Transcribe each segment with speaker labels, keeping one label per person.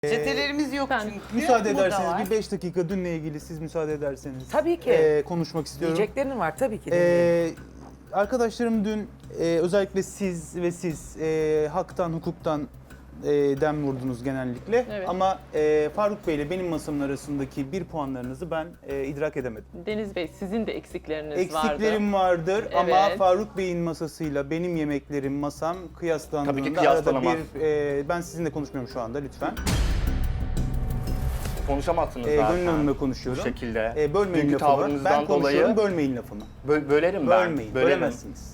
Speaker 1: Çetelerimiz yok çünkü.
Speaker 2: Müsaade
Speaker 1: Bu da
Speaker 2: ederseniz
Speaker 1: var.
Speaker 2: bir 5 dakika dünle ilgili siz müsaade ederseniz.
Speaker 3: Tabii ki.
Speaker 2: Konuşmak istiyorum.
Speaker 3: Diyeceklerin var tabii ki. dinleyelim.
Speaker 2: Arkadaşlarım dün özellikle siz ve siz haktan, hukuktan dem vurdunuz genellikle.
Speaker 4: Evet.
Speaker 2: Ama Faruk Bey ile benim masamın arasındaki bir puanlarınızı ben idrak edemedim.
Speaker 4: Deniz Bey, sizin de eksikleriniz vardı.
Speaker 2: Eksiklerim vardır ama
Speaker 4: Evet.
Speaker 2: Faruk Bey'in masasıyla benim yemeklerim, masam kıyaslandığında
Speaker 5: Tabii ki
Speaker 2: arada
Speaker 5: kıyaslanamaz.
Speaker 2: ben sizinle konuşmuyorum şu anda lütfen.
Speaker 5: Konuşamazsınız zaten.
Speaker 2: Gönül Hanım'la konuşuyorum.
Speaker 5: Bu şekilde.
Speaker 2: Bölmeyin
Speaker 5: Dünkü
Speaker 2: lafımı.
Speaker 5: tavrınızdan
Speaker 2: Ben konuşuyorum,
Speaker 5: dolayı
Speaker 2: bölmeyin lafımı.
Speaker 5: bölerim ben.
Speaker 2: Bölmeyin,
Speaker 5: Bölerim.
Speaker 2: bölemezsiniz.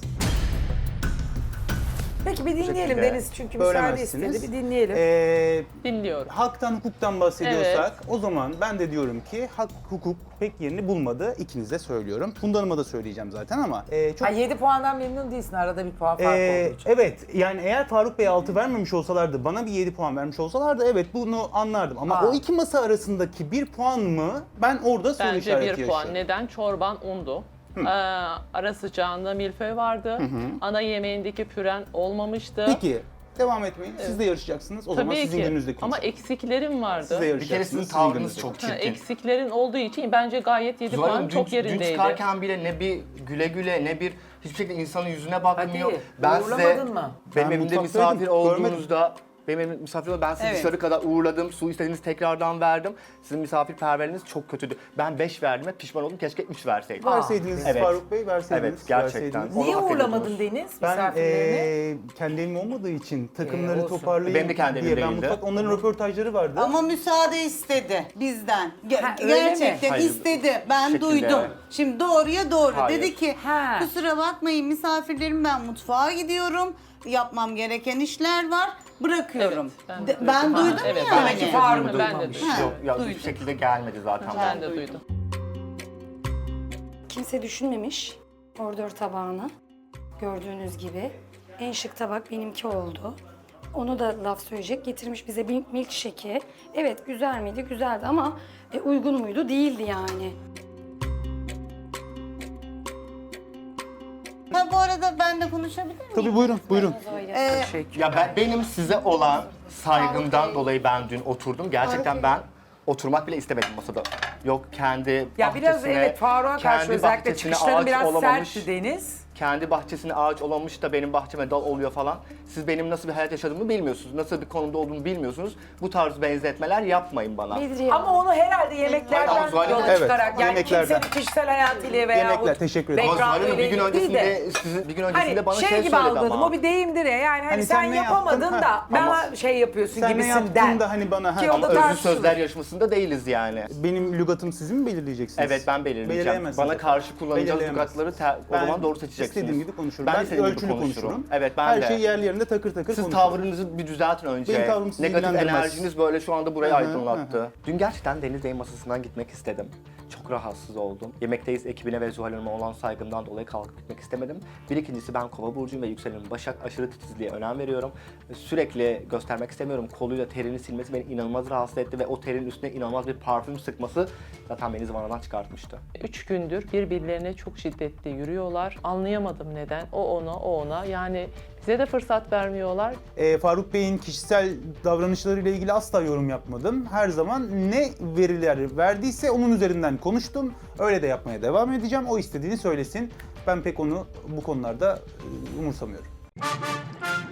Speaker 3: Peki bir dinleyelim
Speaker 5: şekilde
Speaker 3: Deniz çünkü müsaade
Speaker 2: Bölemezsiniz.
Speaker 3: istedi. Bir dinleyelim.
Speaker 4: Dinliyorum.
Speaker 2: Haktan, hukuktan bahsediyorsak o zaman ben de diyorum ki hak, hukuk pek yerini bulmadı. İkinize söylüyorum. Funda Hanım'a da söyleyeceğim zaten ama çok...
Speaker 3: Ha 7 puandan memnun değilsin. Arada bir puan fark olduğu için.
Speaker 2: Evet, yani eğer Faruk Bey 6 vermemiş olsalardı, bana bir 7 puan vermiş olsalardı evet bunu anlardım. Ama o iki masa arasındaki 1 puan mı ben orada soru
Speaker 4: Bence
Speaker 2: işareti
Speaker 4: bir
Speaker 2: yaşıyorum.
Speaker 4: puan. Neden? Çorban undu. Ara sıcağında milföy vardı. Ana yemeğindeki püren olmamıştı.
Speaker 2: Peki, devam etmeyin. Siz de yarışacaksınız. O zaman
Speaker 4: Tabii
Speaker 2: sizin
Speaker 4: ki.
Speaker 2: gününüzde
Speaker 4: Ama
Speaker 2: konuşalım.
Speaker 4: eksiklerim vardı.
Speaker 2: Siz de
Speaker 5: Bir kere
Speaker 2: yarışacaksınız.
Speaker 5: sizin
Speaker 2: sizin
Speaker 5: tavrınız
Speaker 2: gününüzde
Speaker 5: çok
Speaker 2: konuşalım.
Speaker 5: çirkin.
Speaker 4: Eksiklerin olduğu için bence gayet 7 puan
Speaker 5: Zuhal
Speaker 4: çok
Speaker 5: dün
Speaker 4: yerindeydi.
Speaker 5: çıkarken bile ne bir güle güle ne bir hiçbir şekilde insanın yüzüne bakmıyor.
Speaker 3: Hadi, uğurlamadın mı?
Speaker 5: Benim
Speaker 2: Ben
Speaker 5: evimde
Speaker 2: mutfaktaydım,
Speaker 5: misafir olduğunuzda benim evimde misafir olduğunuzda ben sizi
Speaker 1: Evet.
Speaker 5: dışarı kadar uğurladım. Su istediğiniz tekrardan verdim. Sizin misafirperverliğiniz çok kötüydü. Ben 5 verdim ve pişman oldum. Keşke 3 verseydim.
Speaker 2: Verseydiniz
Speaker 5: Evet.
Speaker 2: Faruk Bey, verseydiniz.
Speaker 5: Evet, gerçekten.
Speaker 2: verseydiniz.
Speaker 5: Onu
Speaker 3: Niye
Speaker 5: hak
Speaker 3: uğurlamadın
Speaker 5: ediyordunuz.
Speaker 3: Deniz
Speaker 2: Ben
Speaker 3: misafirlerini?
Speaker 2: kendi evim olmadığı için takımları
Speaker 3: olsun.
Speaker 2: toparlayayım
Speaker 5: Benim de kendi
Speaker 2: diye
Speaker 5: evim
Speaker 2: ben
Speaker 5: değildi.
Speaker 2: onların röportajları vardı.
Speaker 1: Ama müsaade istedi bizden.
Speaker 3: Ha, öyle mi?
Speaker 1: Gerçekten
Speaker 5: Hayır,
Speaker 1: istedi. Ben
Speaker 5: şekilde.
Speaker 1: duydum. Şimdi doğruya doğru.
Speaker 5: Hayır.
Speaker 1: Dedi ki
Speaker 3: Ha.
Speaker 1: kusura bakmayın misafirlerim ben mutfağa gidiyorum. Yapmam gereken işler var. Bırakıyorum.
Speaker 4: Evet, ben de
Speaker 1: Ben
Speaker 4: duydum.
Speaker 1: duydum
Speaker 4: Evet,
Speaker 1: yani.
Speaker 3: Demek ki Faruk
Speaker 4: Ben de
Speaker 3: duymamış.
Speaker 4: duydum.
Speaker 5: Yok ya
Speaker 1: duydum.
Speaker 5: hiçbir şekilde gelmedi zaten.
Speaker 4: Ben de duydum.
Speaker 6: Kimse düşünmemiş ordör tabağını. Gördüğünüz gibi. En şık tabak benimki oldu. Onu da laf söyleyecek. Getirmiş bize bir milkshake'i. Evet güzel miydi? Güzeldi ama uygun muydu? Değildi yani.
Speaker 1: Ha, bu arada ben de konuşabilir miyim?
Speaker 2: Tabii buyurun, buyurun.
Speaker 3: Teşekkür.
Speaker 5: Ya benim size olan saygımdan dolayı ben dün oturdum. Gerçekten ben oturmak bile istemedim masada. Yok kendi
Speaker 3: Ya biraz
Speaker 5: bahçesine,
Speaker 3: evet Faruk'a karşı
Speaker 5: kendi
Speaker 3: özellikle
Speaker 5: bahçesine
Speaker 3: çıkışların
Speaker 5: ağaç
Speaker 3: biraz
Speaker 5: olamamış,
Speaker 3: sertti Deniz.
Speaker 5: kendi bahçesine ağaç olamamış da benim bahçeme dal oluyor falan. Siz benim nasıl bir hayat yaşadığımı bilmiyorsunuz. Nasıl bir konumda olduğumu bilmiyorsunuz. Bu tarz benzetmeler yapmayın bana.
Speaker 6: Bedriye
Speaker 3: Ama onu herhalde yemeklerden
Speaker 5: Aynen, Zuhal Hanım.
Speaker 3: yola
Speaker 2: Evet,
Speaker 3: çıkarak yani
Speaker 2: yemeklerden.
Speaker 3: kimsenin kişisel hayatıyla veya
Speaker 2: Yemekler, teşekkür ederim.
Speaker 5: Ama Zuhal
Speaker 3: background
Speaker 5: Hanım bir gün
Speaker 3: ile değil de.
Speaker 5: öncesinde, sizin bir gün öncesinde
Speaker 3: Hani
Speaker 5: bana
Speaker 3: şey
Speaker 5: şey
Speaker 3: gibi
Speaker 5: söyledi
Speaker 3: algıladım,
Speaker 5: ama.
Speaker 3: o bir deyimdir ya yani hani,
Speaker 2: Hani
Speaker 3: sen
Speaker 2: sen ne
Speaker 3: yapamadın
Speaker 2: yaptın?
Speaker 3: da
Speaker 2: Ha.
Speaker 3: bana şey yapıyorsun
Speaker 2: Sen ne
Speaker 3: gibisinden.
Speaker 2: yaptın da hani bana...
Speaker 3: Ki o da
Speaker 5: Özlü
Speaker 3: tartışılır.
Speaker 5: sözler yarışmasında değiliz yani.
Speaker 2: Benim lügatımı sizin mi belirleyeceksiniz?
Speaker 5: Evet ben belirleyeceğim.
Speaker 2: Belirleyemezsiniz.
Speaker 5: Bana karşı kullanacağınız
Speaker 2: Belirleyemezsiniz.
Speaker 5: lügatları o zaman doğru seçeceksiniz.
Speaker 2: İstediğim gibi konuşurum.
Speaker 5: Ben de
Speaker 2: Ben
Speaker 5: istediğim gibi
Speaker 2: ölçülü
Speaker 5: konuşurum.
Speaker 2: konuşurum.
Speaker 5: Evet ben
Speaker 2: Her
Speaker 5: de.
Speaker 2: şey yerli yerinde takır takır
Speaker 5: Siz
Speaker 2: konuşurum.
Speaker 5: tavrınızı bir düzeltin önce.
Speaker 2: Benim tavrım sizi
Speaker 5: Negatif
Speaker 2: ilgilendirmez.
Speaker 5: enerjiniz böyle şu anda burayı
Speaker 2: Hı hı,
Speaker 5: aydınlattı. Dün gerçekten Deniz Bey'in masasından gitmek istedim. Çok rahatsız oldum. Yemekteyiz ekibine ve Zuhal Hanım'a olan saygımdan dolayı kalkıp gitmek istemedim. Bir ikincisi ben Kova burcuyum ve yükselenim Başak, aşırı titizliğe önem veriyorum. Sürekli göstermek istemiyorum. Koluyla terini silmesi beni inanılmaz rahatsız etti ve o terin üstüne inanılmaz bir parfüm sıkması zaten beni zıvanadan çıkartmıştı.
Speaker 4: 3 gündür birbirlerine çok şiddetli yürüyorlar. Anlayamadım neden. O ona, o ona. Yani bize de fırsat vermiyorlar.
Speaker 2: Faruk Bey'in kişisel davranışlarıyla ilgili asla yorum yapmadım. Her zaman ne veriler verdiyse onun üzerinden konuştum. Öyle de yapmaya devam edeceğim. O istediğini söylesin. Ben pek onu bu konularda umursamıyorum.